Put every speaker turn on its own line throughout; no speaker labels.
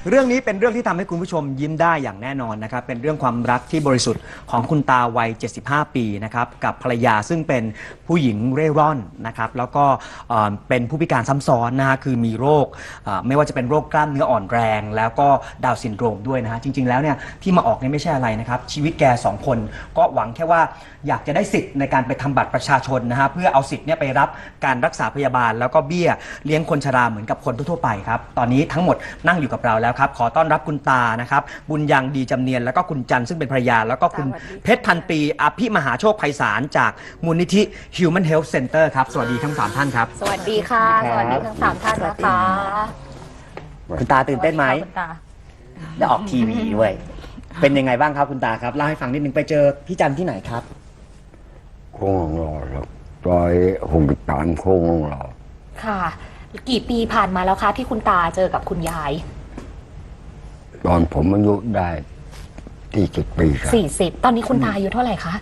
เรื่องนี้เป็นเรื่องที่ทำให้คุณผู้ชมยิ้มได้อย่างแน่นอนนะครับเป็นเรื่องความรักที่บริสุทธิ์ของคุณตาวัย75 ปีนะครับกับภรรยาซึ่งเป็นผู้หญิงเร่ร่อนนะครับแล้วก็เป็นผู้พิการซ้ำซ้อนนะฮะคือมีโรคไม่ว่าจะเป็นโรคกล้ามเนื้ออ่อนแรงแล้วก็ดาวน์ซินโดรมด้วยนะฮะจริงๆแล้วเนี่ยที่มาออกนี่ไม่ใช่อะไรนะครับชีวิตแก2 คนก็หวังแค่ว่าอยากจะได้สิทธิ์ในการไปทำบัตรประชาชนนะฮะเพื่อเอาสิทธิ์เนี่ยไปรับการรักษาพยาบาลแล้วก็เบี้ยเลี้ยงคนชราเหมือนกับคนทั่วๆไปครับตอนนี้ทั้งหมดนั่งอยู่กับเราแล้วครับขอต้อนรับคุณตานะครับบุญยังดีจำเนียนแล้วก็คุณจันทร์ซึ่งเป็นภรรยาแล้วก็คุณเพชรพันปีอภิมหาโชคไพศาลจากมูลนิธิ Human Health Center ครับสวัสดีทั้ง3ท่านครับ
สวัสดีค่ะสวัสดีทั้ง3ท่านนะคะ
คุณตาตื่นเต้นไหมได้ออกทีวีด้วยเป็นยังไงบ้างครับคุณตาครับเล่าให้ฟังนิดนึงไปเจอพี่จันทร์ที่ไหนครับ
โค้งหล่อครับซอย63โค้งหล่อ
ค่ะกี่ปีผ่านมาแล้วคะที่คุณตาเจอกับคุณยาย
ตอนผมอายุได้40 ปีครับ
40ตอนนี้คุณตาอายุเท่าไหร่คะ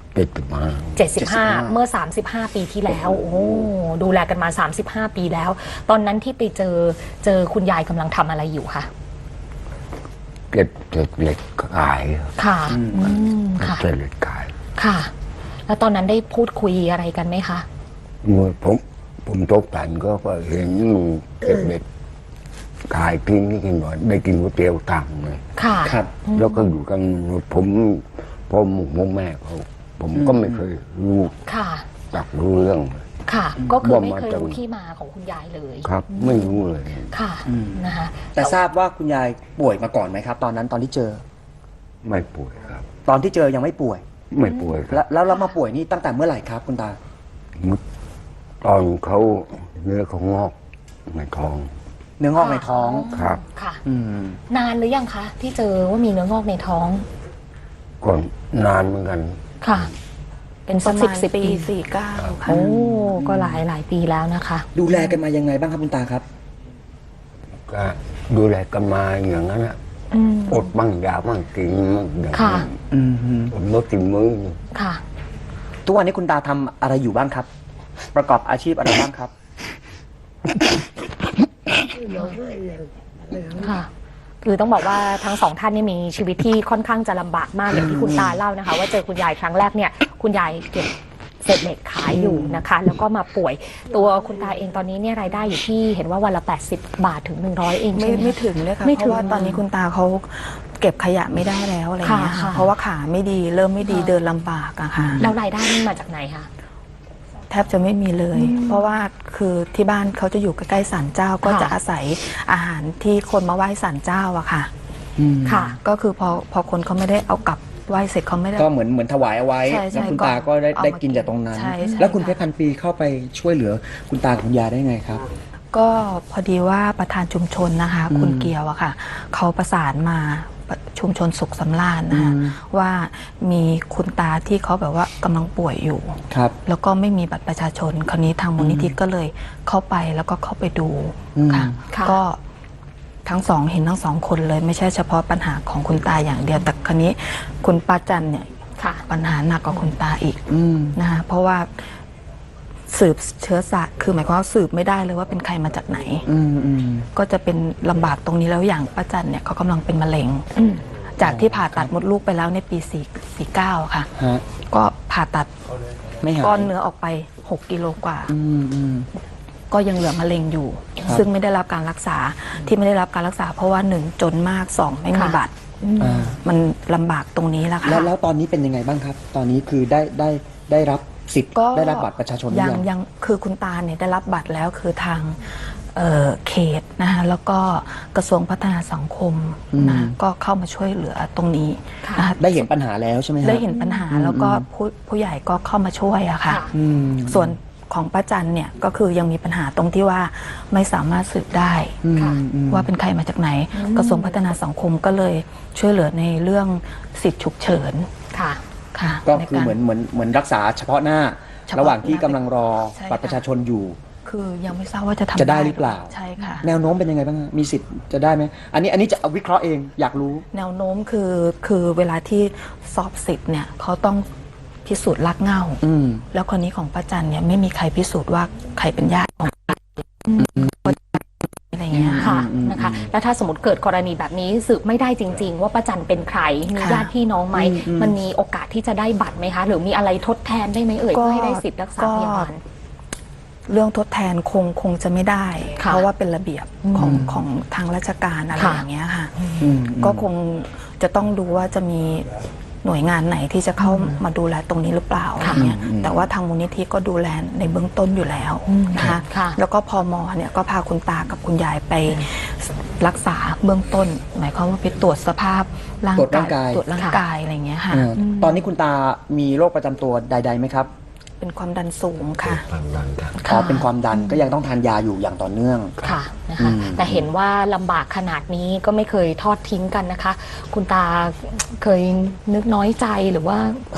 75เมื่อ35 ปีที่แล้วโอ้ดูแลกันมา35 ปีแล้วตอนนั้นที่ไปเจอคุณยายกำลังทำอะไรอยู่คะ
เก็บเศษเหล็กขาย
ค่ะค่ะ
เศษเหล็กขาย
ค่ะแล้วตอนนั้นได้พูดคุยอะไรกันไหมคะ
ผมตกแต่งก็เห็นเก็บเหล็กขายกินนี่กินหน่อยได้กินก๋วยเตี๋ยวตังเลย
ค่ะ
ครับแล้วก็อยู่กันผมพ่อแม่เขาผมก็ไม่เคยรู้
ค่ะ
จักรู้เรื่อง
ค่ะก็คือไม่เคยรู้ที่มาของคุณยายเลย
ครับไม่รู้เลย
ค่ะนะคะ
แต่ทราบว่าคุณยายป่วยมาก่อนไหมครับตอนนั้นตอนที่เจอ
ไม่ป่วยครับ
ตอนที่เจอยังไม่ป่วย
ไม่ป่วย
แล้วเรามาป่วยนี่ตั้งแต่เมื่อไหร่ครับคุณตา
ตอนเขาเนื้อเขางอกในท้อง
เนื้องอกในท้อง
ครับ
ค่ะนานหรือยังคะที่เจอว่ามีเนื้องอกในท้อง
ก่อนนานเหมือนกัน
ค่ะเป็นสัก10 ปี
49ค่ะ
โอ้ก็หลายปีแล้วนะคะ
ดูแลกันมายังไงบ้างครับคุณตาครับ
ก็ดูแลกันมาอย่างนั้นอะอดบ้างยาบ้างกินบ้างอย่างนั้นอดมื้อกินมื้อ
ค่ะ
ทุกวันนี้คุณตาทำอะไรอยู่บ้างครับประกอบอาชีพอะไรบ้างครับ
ค่ะคือต้องบอกว่าทั้ง2ท่านนี่มีชีวิตที่ค่อนข้างจะลำบากมากอย่างที่คุณตาเล่านะคะว่าเจอคุณยายครั้งแรกเนี่ยคุณยายเก็บเศษเหล็กขายอยู่นะคะแล้วก็มาป่วยตัวคุณตาเองตอนนี้เนี่ยรายได้อยู่ที่เห็นว่าวันละ80 บาทถึง100เอง
ไม่ถึงเลยค่ะเพราะว่าตอนนี้คุณตาเขาเก็บขยะไม่ได้แล้วอะไรเงี้ยค่ะเพราะว่าขาไม่ดีเริ่มไม่ดีเดินลำบากอะค่ะ
แล้วรายได้นี่มาจากไหนคะ
แทบจะไม่มีเลยเพราะว่าคือที่บ้านเขาจะอยู่ใกล้ๆศาลเจ้าก็จะอาศัยอาหารที่คนมาไหว้ศาลเจ้าอะค่ะค่ะก็คือพอคนเขาไม่ได้เอากลับไหว้เสร็จเขาไม่ได้
ก็เหมือนถวายเอาไว้แล้วคุณตาก็ได้กินจากตรงนั้นแล้วคุณเพชรพันปีเข้าไปช่วยเหลือคุณตาคุณยายได้ไงครับ
ก็พอดีว่าประธานชุมชนนะคะคุณเกียวอะค่ะเขาประสานมาชุมชนสุขสำราญนะคะว่ามีคุณตาที่เขาแบบว่ากำลังป่วยอยู่
ครับ
แล้วก็ไม่มีบัตรประชาชนคราวนี้ทางมูลนิธิก็เลยเข้าไปแล้วก็เข้าไปดูค่ะก็ทั้งเห็นทั้ง2 คนเลยไม่ใช่เฉพาะปัญหาของคุณตาอย่างเดียวแต่คราวนี้คุณป้าจันเนี่ยปัญหาหนักกว่าคุณตาอีกนะคะเพราะว่าสืบเชื้อสายคือหมายความว่าสืบไม่ได้เลยว่าเป็นใครมาจากไหนก็จะเป็นลำบากตรงนี้แล้วอย่างป้าจันเนี่ยเขากำลังเป็นมะเร็งจากที่ผ่าตัดมดลูกไปแล้วในปี49ค่ะก็ผ่าตัดก้อนเนื้อออกไป6 กิโลกว่าก็ยังเหลือมะเร็งอยู่ซึ่งไม่ได้รับการรักษาที่ไม่ได้รับการรักษาเพราะว่า1จนมาก2ไม่มีบัตรมันลำบากตรงนี้แล้วค่ะ
แล้วตอนนี้เป็นยังไงบ้างครับตอนนี้คือได้รับสิทธิ์ได้รับบัตรประชาชน
ยังคือคุณตาเนี่ยได้รับบัตรแล้วคือทางเขตนะคะแล้วก็กระทรวงพัฒนาสังคมนะก็เข้ามาช่วยเหลือตรงนี้นะคะ
ได้เห็นปัญหาแล้วใช่ไหม
ได้เห็นปัญหาแล้วก็ผู้ใหญ่ก็เข้ามาช่วยอะค่ะส่วนของป้าจันเนี่ยก็คือยังมีปัญหาตรงที่ว่าไม่สามารถสืบได้ว่าเป็นใครมาจากไหนกระทรวงพัฒนาสังคมก็เลยช่วยเหลือในเรื่องสิทธิฉุกเฉิน
ก็คือเหมือนรักษาเฉพาะหน้าระหว่างที่กำลังรอบัตรประชาชนอยู่
คือยังไม่ทราบว่าจะ
ได้หรือเปล่า
ใช่ค่ะ
แนวโน้มเป็นยังไงบ้างมีสิทธิ์จะได้ไหมอันนี้จะวิเคราะห์เองอยากรู้
แนวโน้มคือเวลาที่สอบสิทธิ์เนี่ยเขาต้องพิสูจน์รากเหง้าแล้วคนนี้ของป้าจันเนี่ยไม่มีใครพิสูจน์ว่าใครเป็นญาติของอะไรเงี้ยค่ะ
นะคะแล้วถ้าสมมติเกิดกรณีแบบนี้สืบไม่ได้จริง ๆ ว่าป้าจันเป็นใครมีญาติพี่น้องไหมมันมีโอกาสที่จะได้บัตรไหมคะหรือมีอะไรทดแทนได้ไหมเอ่ยเพื่อให้ได้สิทธิ์รักษาพยาบาล
เรื่องทดแทนคงจะไม่ได้
ค่ะ
เพราะว่าเป็นระเบียบของทางราชการอะไร
ค่ะ
อย่างเงี้ยค่ะก็คงจะต้องดูว่าจะมีหน่วยงานไหนที่จะเข้ามาดูแลตรงนี้หรือเปล่าอะไรเงี้ยแต่ว่าทางมูลนิธิก็ดูแลในเบื้องต้นอยู่แล้วนะคะ
ค่ะ
แล้วก็พมเนี่ยก็พาคุณตากับคุณยายไปรักษาเบื้องต้น หมายความว่าไปตรวจสภาพร่าง
ตรวจร่างกาย
ตรวจร่างกายอะไรเงี้ยค่ะ
ตอนนี้คุณตามีโรคประจำตัวใดๆไหมครับ
เป็นความดันสูงค่ะ
ทางนั้นครับ
อ๋อเป็นความดันก็ยังต้องทานยาอยู่อย่างต่อเนื่อง
ค่ะนะคะแต่เห็นว่าลำบากขนาดนี้ก็ไม่เคยทอดทิ้งกันนะคะ คุณตาเคยนึกน้อยใจหรือว่า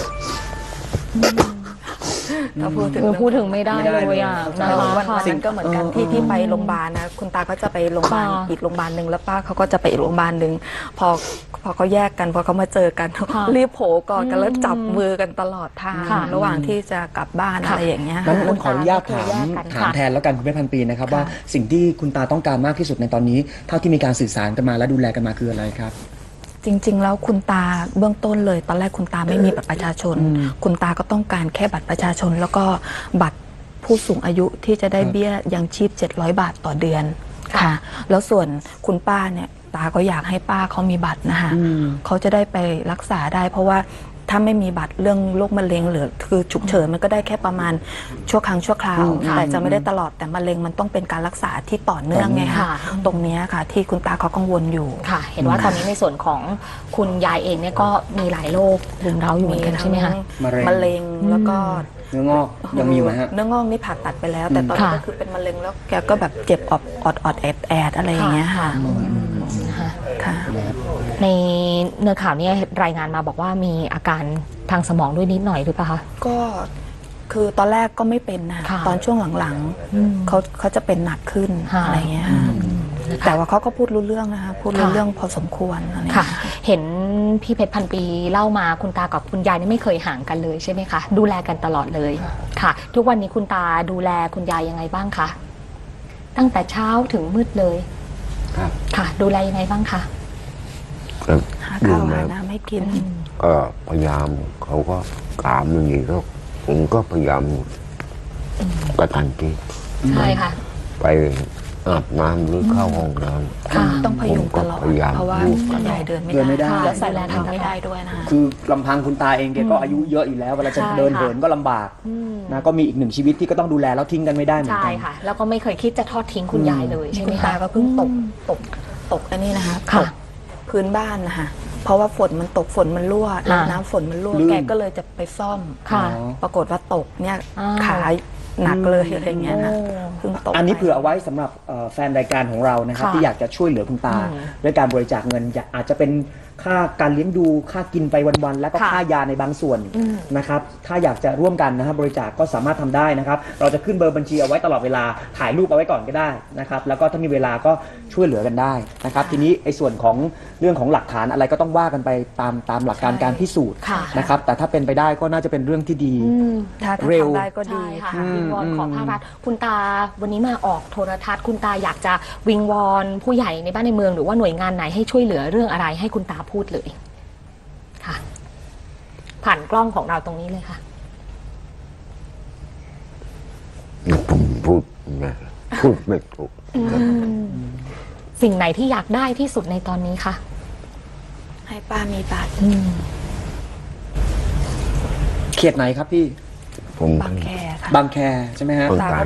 ถ้าพูดถึง
พูดถึงไม่ได้เลยอ่ะนะ
วัน
คะ
นั้นก็เหมือนกันที่ไปโรงพยาบาลนะคุณตาก็จะไปโรงพยาบาล
ค่ะ
อีกโรงพยาบาลหนึ่งแล้วป้าเขาก็จะไปอีกโรงพยาบาลหนึ่งพอเขาแยกกันพอเขามาเจอกัน
ค่ะ
รีบโผล่กอดกันแล้วจับมือกันตลอดทาง
ค่ะ
ระหว่างที่จะกลับบ้าน
ค่ะ
อะไรอย่างเงี้ย
นั้นขออนุญาตถาม
แยกกัน
ถาม
ค่ะ
แทนแล้วกันคุณแม่พันปีนะครับว่าสิ่งที่คุณตาต้องการมากที่สุดในตอนนี้ เท่าที่มีการสื่อสารกันมาและดูแลกันมาคืออะไรครับ
จริง ๆ แล้วคุณตาเบื้องต้นเลย ตอนแรกคุณตาไม่มีบัตรประชาชน คุณตาก็ต้องการแค่บัตรประชาชน แล้วก็บัตรผู้สูงอายุที่จะได้เบี้ยยังชีพ700 บาทต่อเดือนค่ะ แล้วส่วนคุณป้าเนี่ยตาก็อยากให้ป้าเขามีบัตรนะคะเขาจะได้ไปรักษาได้ เพราะว่าถ้าไม่มีบัตรเรื่องโรคมะเร็งหรือคือฉุกเฉินมันก็ได้แค่ประมาณชั่วครั้งชั่วคราวแต่จะไม่ได้ตลอดแต่มะเร็งมันต้องเป็นการรักษาที่ต่อเนื่องไงคะ
ค่ะ
ตรงเนี้ยค่ะ ที่คุณตาเขากังวลอยู่
ค่ะ เห็นว่าตอนนี้ในส่วนของคุณยายเองเนี่ยก็มีหลายโรครุมเร้าอยู่เหมือนกันใช่ไหมคะ
มะเร็ง
แล้วก็
เนื้องอกยังมีอยู่ไหมฮะ
เนื้องอกนี่ผ่าตัดไปแล้ว แต่ตอนนี้
ค่ะ
ก็คือเป็นมะเร็งแล้วแกก็แบบเจ็บอดแอดอะไรอย่างเงี้ยค่ะ
นะคะ
ค่ะ
ในเนื้อข่าวเนี่ยรายงานมาบอกว่ามีอาการทางสมองด้วยนิดหน่อยหรือเปล่าคะ
ก็คือตอนแรกก็ไม่เป็นนะ
ค่ะ
ตอนช่วงหลังๆเขาจะเป็นหนักขึ้น
ค่ะ
อะไรเงี้ยค่ะแต่ว่าเขาก็พูดรู้เรื่องนะคะพูดรู้
ค่ะ
เรื่องพอสมควรอะไร
ค่ะ
เงี้ย
เห็นพี่เพชรพันปีเล่ามาคุณตากับคุณยายนี่ไม่เคยห่างกันเลยใช่ไหมคะ ดูแลกันตลอดเลยค่ะ ทุกวันนี้คุณตาดูแลคุณยายยังไงบ้างคะตั้งแต่เช้าถึงมืดเลย
ครับ
ค่ะ ดูแลยังไงบ้างคะ
ก็
หา
ดู
ข้าว
แล
หาน้ำให้กิน
ก็พยายามเขาก็ตามอย่างนี้ก็ผมก็พยายามกระตันที
ใช่ค่ะ
ไปอาบน้ำหรือเข้าห้องน้
ค่ะ
ต้องพยุงตลอด
ผมก็พยายาม
เพราะว่า
ดู
คุณยายเดินไม่
เดินไม่ได้
ได้และใส่
ดูแล
รองเท้าไม่ได้ด้วยนะคะ
คือลำพังคุณตาเองแกก็อายุเยอะอยู่แล้วเวลาจะ
ใช่
เดิน
ค่ะ
เหินก็ลำบากนะก็มีอีกหนึ่งชีวิตที่ก็ต้องดูแลแล้วทิ้งกันไม่ได้เหมือน
ใช่
กัน
ค่ะ แล้วก็ไม่เคยคิดจะทอดทิ้งคุณยายเลยใช่ไห
คุ
ม
ณ
คะ
ตาก็เพิ่งตกอันนี้นะคะ
ค่ะ
ตกพื้นบ้านนะคะเพราะว่าฝนมันตกฝนมันรั่วแล้วน้ำฝนมันรั่ว
ลื่น
แกก็เลยจะไปซ่อม
ค่ะ
ปรากฏว่าตกเนี่ย
อ้าว
ขาหนักเลยอะไรเงี้ยนะ
โอ้
เพิ่งตก
อันนี้
ไป
เผื่อเอาไว้สำหรับแฟนรายการของเรานะครับ
ค่ะ
ที่อยากจะช่วยเหลือคุณตา ด้วยการบริจาคเงินอาจจะเป็นค่าการเลี้ยงดูค่ากินไปวันๆแล้วก็
ค่ะ
ค่ายาในบางส่วนนะครับถ้าอยากจะร่วมกันนะครับบริจาคก็สามารถทำได้นะครับ เราจะขึ้นเบอร์บัญชีเอาไว้ตลอดเวลาถ่ายรูปเอาไว้ก่อนก็ได้นะครับแล้วก็ถ้ามีเวลาก็ช่วยเหลือกันได้นะครับทีนี้ไอ้ส่วนของเรื่องของหลักฐานอะไรก็ต้องว่ากันไปตามหลักการการพิสูจน์
ค่ะ
นะครับแต่ถ้าเป็นไปได้ก็น่าจะเป็นเรื่องที่ดี
ถ้า
เร็ว
ทำได้ก็ดี
ใช่ค่ะ
อืม
วิงวอนขอภาครัฐคุณตาวันนี้มาออกโทรทัศน์คุณตาอยากจะวิงวอนผู้ใหญ่ในบ้านในเมืองหรือว่าหน่วยงานไหนให้ช่วยเหลือเรื่องอะไรให้คุณตาพูดเลยค่ะ ผ่านกล้องของเราตรงนี้เลยค่ะ
ำผมพูดไม่ถูก
สิ่งไหนที่อยากได้ที่สุดในตอนนี้คะ
ให้ป้ามีบัตร
เขตไหนครับพี่
ผม
บางแคค่ะ
บางแคใช่ไหมฮะ
ต้องการ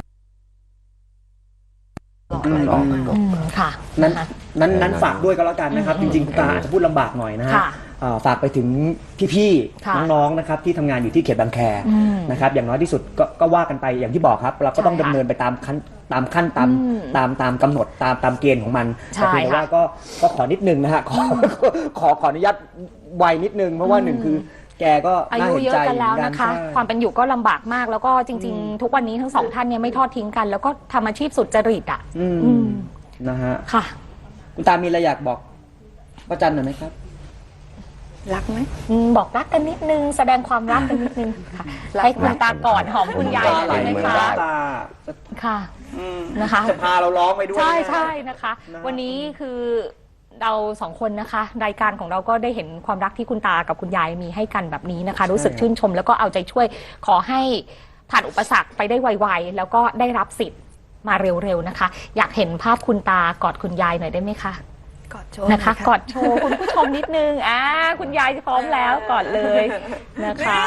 ลองดู
ค่ะ
นั้น
นะคะ
นั้นฝากด้วยก็แล้วกันนะครับ จริงๆคุณตาอาจจะพูดลำบากหน่อยนะฮะ
ค่ะ
ฝากไปถึงพี่
ค่ะ
ๆน้องๆนะครับที่ทำงานอยู่ที่เขตบางแคนะครับอย่างน้อยที่สุดก็ว่ากันไปอย่างที่บอกครับ เราก็ต้อง
ใช่
ดำ
ค่ะ
เนินไปตามขั้นตามกำหนดตามเกณฑ์ของมัน
ใช่
แต่เพียงแต่ว่า
ค่ะ
ก็ขอนิดนึงนะฮะขออนุญาตไวนิดนึงเพราะว่าหนึ่งคือแกก็
อา
น่า
ยุ
เห็น
เยอะ
ใจ
กันแล้ว
เหมือ
นะคะ
ใช่
ความเป็นอยู่ก็ลำบากมาก แล้วก็จริง ๆ ทุกวันนี้ทั้งสองท่านเนี่ยไม่ทอดทิ้งกัน แล้วก็ทำอาชีพสุจริตอ่ะ
อืม
อืม
นะฮะ
ค่ะ
คุณตามีอะไรอยากบอกป้าจันหน่อยไหมครับ
รักไหม
บอกรักกันนิดนึง แสดงความรักกันนิดนึงค่ะให้คุณตากอดหอมคุณยายหน่อยได้ไหมคะ
ตา
ค่ะนะคะ
จะพาเราร้องไปด้วย
ใช่
นะ
ใช่นะคะ
นะ
วันนี้คือเราสองคนนะคะ รายการของเราก็ได้เห็นความรักที่คุณตากับคุณยายมีให้กันแบบนี้นะคะ รู้สึกชื่นชม แล้วก็เอาใจช่วยขอให้ผ่านอุปสรรคไปได้ไวๆแล้วก็ได้รับสิทธิ์มาเร็วๆนะคะ อยากเห็นภาพคุณตากอดคุณยายหน่อยได้ไหมคะ
กอดโชว์
นะคะ
หอย
กอดโชว์คุณผู้ชมนิดนึงคุณยายพร้อมแล้วกอดเลยนะคะ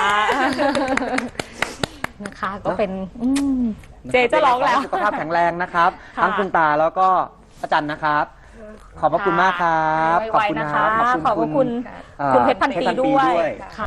นะคะก็เป็นเจจะร้องแล้ว
สุขภาพแข็งแรงนะครับ
ค่ะ
ทั้งคุณตาแล้วก็อาจารย์นะครับ ขอบพระคุณมากครับ
ไวๆนะคะ ขอบพระคุณ
เอ่อ
คุณเพชรพันปีด้วย
เพชรพันปีด้วย
ค่ะ